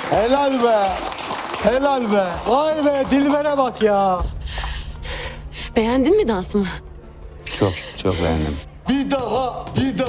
Helal be. Helal be. Vay be Dilber'e bak ya. Beğendin mi dansımı? Çok beğendim. Bir daha.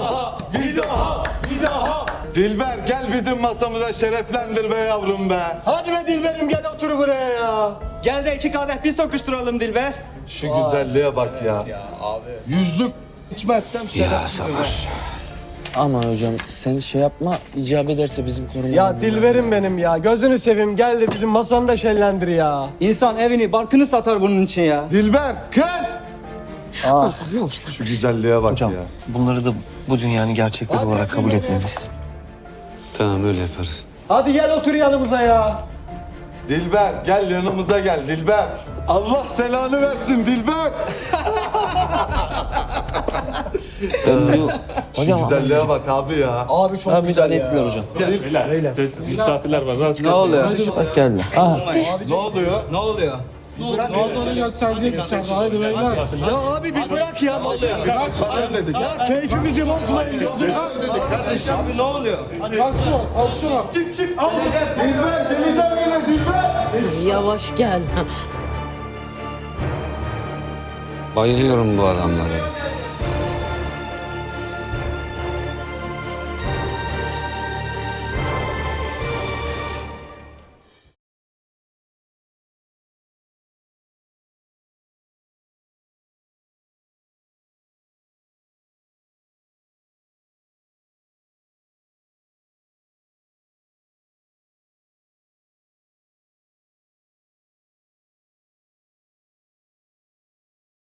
Dilber gel bizim masamıza şereflendir be yavrum be. Hadi be Dilber'im gel otur buraya ya. Gel de 2 kadeh biz tokuşturalım Dilber. Şu güzelliğe bak ya. Yüzlük içmezsem Ya şerefsiz be. sabır. Aman hocam sen şey yapma, icap ederse bizim korumamız. Ya Dilber'im benim ya. Gözünü seveyim gel de bizim masanı da şenlendir ya. İnsan evini, barkını satar bunun için ya. Dilber kız. Ozan ne olursa. Şu güzelliğe bak ya. Bunları da bu dünyanın gerçekleri olarak kabul etmeliyiz. Tamam öyle yaparız. Hadi gel otur yanımıza ya. Dilber gel yanımıza gel Dilber. Allah selanı versin Dilber. Şu Hocam güzelliğe bak abi ya. Abi çok Ben güzel müdahale ya. etmiyor hocam. Beyler, sessiz misafirler var. Rahatsız Ne oluyor? Bak geldi. Ne oluyor? Ne oluyor? Ya abi bir bırak ya masayı. Para dedik. Ya keyfimizi bozmayın. Dedik kardeşim. Abi ne oluyor? Dilber denizden gelir Dilber. Yavaş gel. Bayılıyorum bu adamlara.